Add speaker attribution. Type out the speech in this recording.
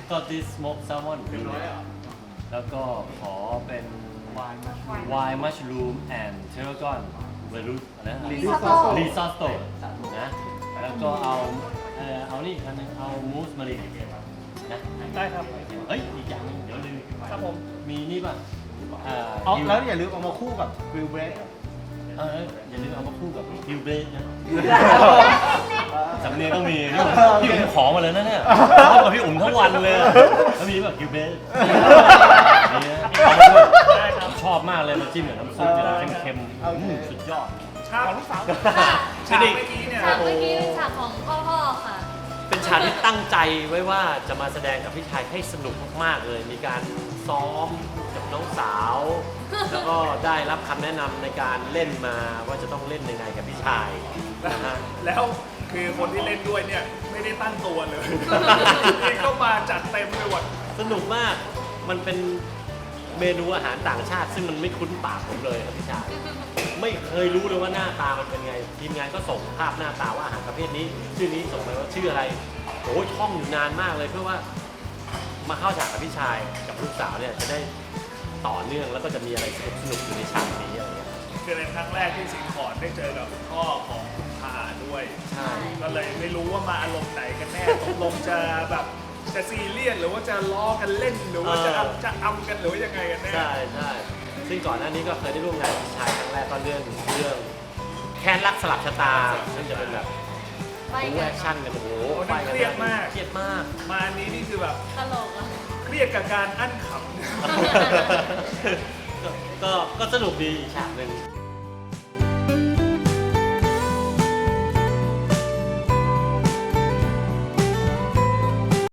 Speaker 1: got this smoked salmon แล้วก็ขอเป็น wine mushroom and tarragon เวรุสอะไรนะ risotto นะแล้วก็เอานี่คันนึงเอามูสมารีนะ
Speaker 2: ได้ครับ
Speaker 1: เฮ้ยอีกอย่างนึงเดี๋ยวลืม
Speaker 2: ครับผม
Speaker 1: มีนี่ป่ะ
Speaker 3: แล้วอย่าลืมเอามาคู่กับกริลเบรด
Speaker 1: อย่าลืมเอามาคู่กับกิวเบสนะสำเนียงต้องมีพี่อุ๋มขอมาเลยนะเนี่ยชอบกับพี่อุ๋มทั้งวันเลยแล้วมีแบบกิวเบสชอบมากเลยมาจิ้มกับน้ำซุปเนี่ยเค็มๆสุดยอด
Speaker 2: ฉากของลูกสาว
Speaker 1: ฉากเมื่
Speaker 2: เมื่
Speaker 1: อ
Speaker 2: อ
Speaker 1: กี้
Speaker 2: กี้
Speaker 1: เนี่
Speaker 2: เนี่ย ย
Speaker 4: ฉากเมื่อกี้เป็นฉากของพ่อค่ะ
Speaker 1: เป็นฉากที่ตั้งใจไว้ว่าจะมาแสดงกับพี่ชายให้สนุกมากๆเลย มีการซ้อมกับน้องสาว แล้วก็ได้รับคำแนะนำในการเล่นมาว่าจะต้องเล่นยังไงกับพี่ชายนะฮะ
Speaker 2: แล้วคือคนที่เล่นด้วยเนี่ยไม่ได้ตั้งตัวเลยนี่ก็มาจัดเต็มเลยว่ะ
Speaker 1: สนุกมาก มันเป็นเมนูอาหารต่างชาติ ซึ่งมันไม่คุ้นปากผมเลยครับพี่ชาย ไม่เคยรู้เลยว่าหน้าตามันเป็นไง ทีมงานก็ส่งภาพหน้าตาว่าอาหารประเภทนี้ ชื่อนี้ส่งไปว่าชื่ออะไรโอ้ยท่องอยู่นานมากเลยเพื่อว่ามาเข้าฉากกับพี่ชายกับลูกสาวเนี่ยจะได้ต่อเนื่องแล้วก็จะมีอะไรสนุกๆอยู่ในฉากนี้อะไรเงี้ย
Speaker 2: คือเป็นครั้งแรกที่สิงห์ขอนได้เจอกับพ่อของคุณพาด้วย
Speaker 1: ใช่
Speaker 2: ก็เลยไม่รู้ว่ามาอารมณ์ไหนกันแน่ตกลงจะแบบจะซีเรียสหรือว่าจะล้อกันเล่นหรือว่าจะอำกันหรือว่ายังไงกันแน่
Speaker 1: ใช่ใช่ซึ่งก่อนหน้านี้ก็เคยได้ร่วมงานกับพี่ชายครั้งแรกก็เรื่องแค้นรักสลับชะตาซึ่งจะเป็นแบบ
Speaker 4: ไป
Speaker 1: บู๊
Speaker 4: กั
Speaker 1: แอน คชั่นกันโอ้โห
Speaker 2: โอ้นั่นเครียดมาก
Speaker 1: เครียดมาก
Speaker 2: มาอันนี้นี่คือแบบ
Speaker 4: ตลกอ่ะ
Speaker 2: เครียดกับการอั้นขำ
Speaker 1: ก็สนุกดีอีกฉากหนึ่ง